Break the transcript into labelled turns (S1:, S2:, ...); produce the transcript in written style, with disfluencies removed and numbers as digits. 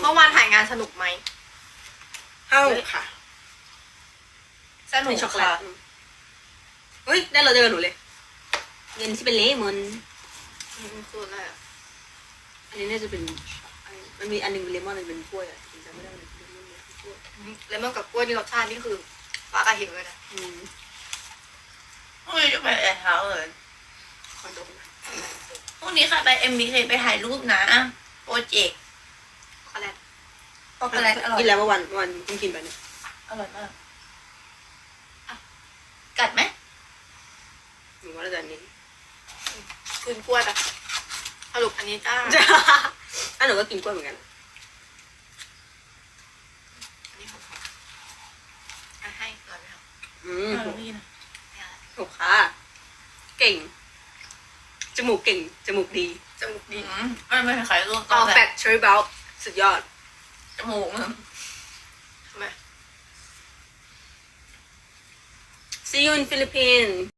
S1: มื่อวานถ่ายงานสนุกไหม
S2: เอ้าค่ะ
S1: สนุก
S2: เป็นช็อกโกแล
S1: ค่ะ
S2: ตเฮ้ยได้เราเจอหนูเลยเงินที่เป็นเลมอน
S1: คืออะไรอ่ะ
S2: อันนี้น่าจะเป็นมันมีอันหนึงเป็นเลมอนอันหนึงเป็นกล้วยอ่ะจำไม่ได้เลยเลมอนเนี่ยกล้วย
S1: เลมอนกับกล้วยนี่รสชาตินี่คือฟ้ากระหิวเลยนะ
S3: พรุ่งนี้จะไปแอร์เท้าเลย
S2: คอนโดนะ
S3: พรุ่งนี้ค่ะไป MBK ไปถ่ายรูปนะโปรเจกต์
S1: ช็อกโกแลต
S3: ช็อกโกแลตอร่อย
S2: กินแล้วเมื่อวันเพิ่งกินไปเนี่ย
S3: อร่อยมากกัดไหม
S2: หนูว่าน่าจะอันนี้
S1: คืนกล้วยปะสรุปอันนี้จ้า
S2: อันหนูก็กินกล้วยเหมือนกัน
S1: อันนี้ของใครอ่ะให้ก่อนไหมครับ
S3: อร่อยพี่นะ
S1: ไม่เอาละ
S2: ถูกค่ะเก่งจมูกเก่งจมูกดี
S1: จมูกดี
S3: ไม่ใครรู้
S2: ออแฟกเชอรี่เบลสุดยอด
S3: จมูกมัน
S1: ทำไม
S2: See you in Philippines